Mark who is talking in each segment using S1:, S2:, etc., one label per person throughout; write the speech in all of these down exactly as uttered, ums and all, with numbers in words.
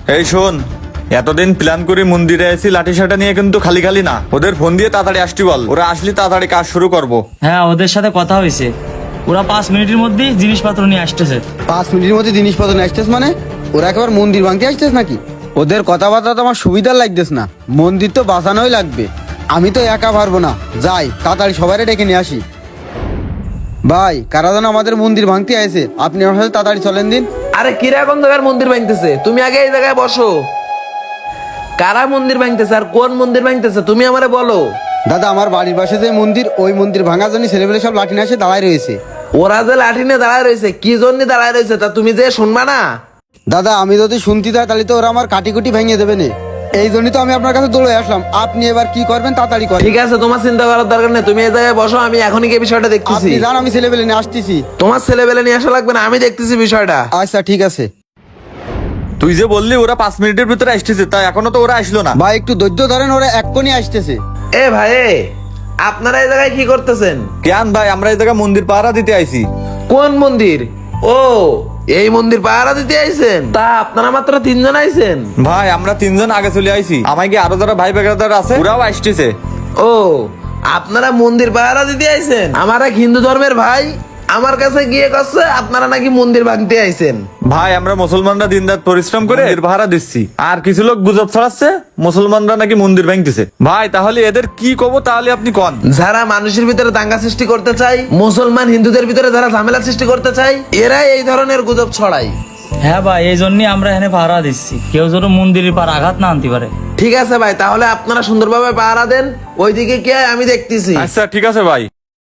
S1: এই শোন, এতদিন প্ল্যান করে মন্দিরে এসি লাঠি সাটা নিয়ে কিন্তু খালি খালি না, ওদের ফোন দিয়ে তাড়াতাড়ি আসতে বল, ওরা আসলে তাড়াতাড়ি কাজ শুরু করব।
S2: হ্যাঁ, ওদের সাথে কথা হয়েছে, ওরা পাঁচ মিনিটের মধ্যেই জিনিসপত্র নিয়ে আসতেছে।
S3: পাঁচ মিনিটের মধ্যে জিনিসপত্র নিয়ে আসতেছ মানে? ওরা একেবারে মন্দির ভাঙতে আসতেছ নাকি? ওদের কথাবার্তা তো আমার সুবিধার লাগতেছ না। মন্দির তো বাঁচানোই লাগবে, আমি তো একা পারবো না। যাই তাড়াতাড়ি সবাই ডেকে নিয়ে আসি। ভাই, কারা যেন আমাদের মন্দির ভাঙতে আইছে, আপনি আমার সাথে তাড়াতাড়ি চলেন দিন।
S4: আরে কিরা কোন জায়গার মন্দির ভাঙতেছে? তুমি আগে এই জায়গায় বসো। কারা মন্দির ভাঙতেছে আর কোন মন্দির ভাঙতেছে তুমি আমারে বলো।
S3: দাদা, আমার বাড়ির পাশে যে মন্দির, ওই মন্দির ভাঙার জন্য ছেলেপেলে সব লাঠি নিয়ে এসে দাঁড়ায় রয়েছে।
S4: ওরা যে লাঠি নিয়ে দাঁড়ায় রয়েছে, কি জন্য দাঁড়ায় রয়েছে তা তুমি যে শুনবা না?
S3: দাদা, আমি যদি শুনতে যাই তাহলে তো ওরা আমার কাটি কুটি ভেঙে দেবে না। এই জন্যই তো আমি আপনার কাছে দৌড়ে আসলাম। আপনি এবার কি করবেন তাড়াতাড়ি করেন।
S4: ঠিক আছে, তোমার চিন্তা করার দরকার নেই, তুমি এই জায়গায় বসো, আমি এখনই গিয়ে বিষয়টা দেখতেছি।
S3: আপনি যান, আমি ছেলেপেলে নিয়ে আসতেছি।
S4: তোমার ছেলেবেলে নিয়ে আসা লাগবে না, আমি দেখতেছি বিষয়টা।
S3: আচ্ছা ঠিক আছে।
S1: তুই যে বললি ওরা পাঁচ মিনিটের ভিতরে আসতেছে, তা এখনো তো ওরা আসলো না।
S3: ভাই একটু ধৈর্য ধরেন, ওরা এক্ষুনি আসতেছে।
S4: এ ভাই, এ, আপনারা এই জায়গায় কি করতেছেন?
S1: কেন ভাই, আমরা এই জায়গায় মন্দির পাহারা দিতে আইছি।
S4: কোন মন্দির? ও, এই মন্দির পাহারা দিতে আইছেন? তা আপনারা মাত্র তিনজন আইছেন?
S1: ভাই আমরা তিনজন আগে চলে আইছি, আমায় কি আরো যারা ভাই বেগাদার আছে ওরাও আসতেছে।
S4: ও, আপনারা মন্দির পাহারা দিতে আইছেন? আমার এক হিন্দু ধর্মের ভাই আমার কাছে গিয়ে কচ্ছে আপনারা নাকি মন্দির ভাঙতে আইছেন।
S1: ভাই আমরা মুসলমানরা দিনরাত পরিশ্রম করে মন্দির পাহারা দিচ্ছি, আর কিছু লোক গুজব ছড়াচ্ছে মুসলমানরা নাকি মন্দির ভাঙতেছে। ভাই তাহলে এদের কি কব, তাহলে আপনি কোন।
S4: যারা মানুষের ভিতরে দাঙ্গা সৃষ্টি করতে চায়, মুসলমান হিন্দুদের ভিতরে যারা ঝামেলা সৃষ্টি করতে চায়, এরাই এই ধরনের গুজব ছড়ায়।
S2: হ্যাঁ ভাই, এই জন্যই আমরা এখানে পাহারা দিচ্ছি, কেউ যেন মন্দিরের পার আঘাত না আনতে পারে।
S4: ঠিক আছে ভাই, তাহলে আপনারা সুন্দরভাবে পাহারা দেন, ওইদিকে কে আমি দেখতেছি।
S1: আচ্ছা ঠিক আছে ভাই।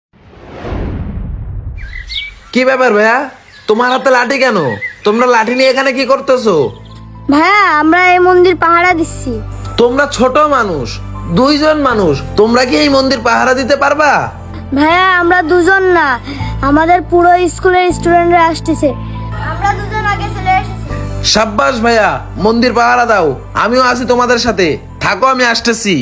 S4: কি ব্যাপার ভাইয়া, তোমার হাতে লাঠি কেন? তোমরা লাঠি নিয়ে এখানে কি করতেছো?
S5: ভাইয়া, আমরা এই মন্দির পাহারা দিচ্ছি।
S4: তোমরা ছোট মানুষ, দুইজন মানুষ, তোমরা কি এই মন্দির পাহারা দিতে পারবা?
S5: ভাইয়া, আমরা দুজন না, আমাদের পুরো স্কুলের স্টুডেন্টরা আসতেছে, আমরা দুজন আগে চলে এসেছি।
S4: সাব্বাস ভাইয়া, মন্দির পাহারা দাও, আমিও আছি তোমাদের সাথে, থাকো আমি আসতেছি।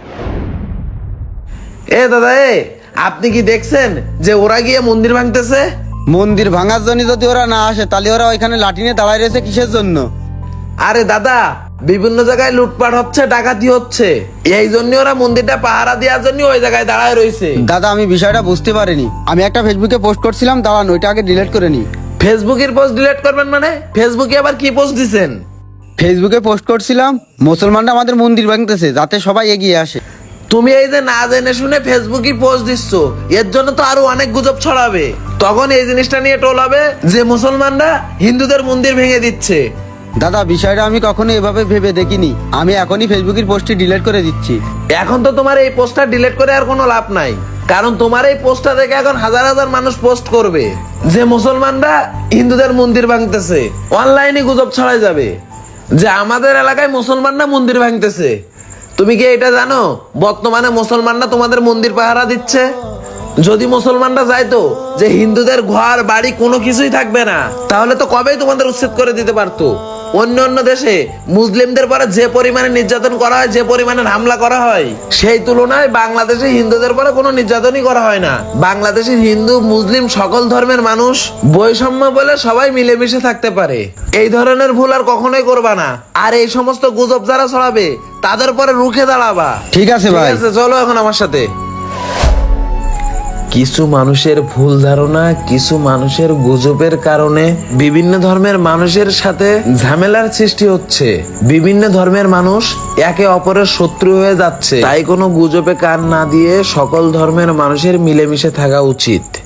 S4: এ দাদা, এ আপনি কি দেখছেন যে ওরা গিয়ে মন্দির ভাঙতেছে?
S3: মন্দির ভাঙার জন্য যদি ওরা না আসে তাহলে ওরা ওইখানে লাঠি নিয়ে দাঁড়ায় রয়েছে কিসের জন্য?
S4: আরে দাদা, বিভিন্ন জায়গায় লুটপাট হচ্ছে, ডাকাতি হচ্ছে, এই জন্য ওরা মন্দিরটা পাহারা দেওয়ার জন্য ওই জায়গায় দাঁড়ায় রয়েছে।
S3: দাদা, আমি বিষয়টা বুঝতে পারিনি। আমি একটা ফেসবুকে পোস্ট করছিলাম, দাঁড়ান ওইটা আগে ডিলিট করে নি।
S4: ফেসবুকের পোস্ট ডিলিট করবেন মানে? ফেসবুকে আবার কি পোস্ট দিছেন?
S3: ফেসবুকে পোস্ট করছিলাম মুসলমানরা আমাদের মন্দির ভাঙতেছে, যাতে সবাই এগিয়ে আসে।
S4: তুমি এই যে না জেনে শুনে ফেসবুকে পোস্ট দিচ্ছ, এর জন্য তো আরো অনেক গুজব ছড়াবে, তখন এই জিনিসটা নিয়ে টোল হবে যে মুসলমানরা হিন্দুদের মন্দির ভেঙে দিচ্ছে।
S3: দাদা, বিষয়টা আমি কখনো এভাবে ভেবে দেখিনি। আমি এখনই ফেসবুকের পোস্টটি ডিলিট করে দিচ্ছি।
S4: এখন তো তোমার এই পোস্টটা ডিলিট করে আর কোনো লাভ নাই, কারণ তোমার এই পোস্টটা দেখে এখন হাজার হাজার মানুষ পোস্ট করবে যে মুসলমানরা হিন্দুদের মন্দির ভাঙতেছে। অনলাইনে গুজব ছড়াই যাবে যে আমাদের এলাকায় মুসলমানরা মন্দির ভাঙতেছে। তুমি কি এটা জানো বর্তমানে মুসলমানরা তোমাদের মন্দির পাহারা দিচ্ছে? যদি মুসলমানরা যাইতো যে হিন্দুদের ঘর বাড়ি কোনো কিছুই থাকবে না, তাহলে তো কবেই তোমাদের উচ্ছেদ করে দিতে পারতো। অন্য অন্য দেশে মুসলিমদের পরে যে পরিমাণে নির্যাতন করা হয়, যে পরিমাণে হামলা করা হয়, সেই তুলনায় বাংলাদেশে হিন্দুদের পরে কোনো নির্যাতনই করা হয় না। বাংলাদেশের হিন্দু মুসলিম সকল ধর্মের মানুষ বৈষম্য বলে সবাই মিলেমিশে থাকতে পারে। এই ধরনের ভুল আর কখনোই করবা না। আর এই সমস্ত গুজব যারা ছড়াবে তাদের পরে রুখে দাঁড়াবা।
S3: ঠিক আছে ভাই।
S4: ঠিক আছে, চলো এখন আমার সাথে। কিছু মানুষের ভুল ধারণা, কিছু মানুষের গুজবের কারণে বিভিন্ন ধর্মের মানুষের সাথে ঝামেলার সৃষ্টি হচ্ছে। বিভিন্ন ধর্মের মানুষ একে অপরের শত্রু হয়ে যাচ্ছে। তাই কোনো গুজবে কান না দিয়ে সকল ধর্মের মানুষের মিলেমিশে থাকা উচিত।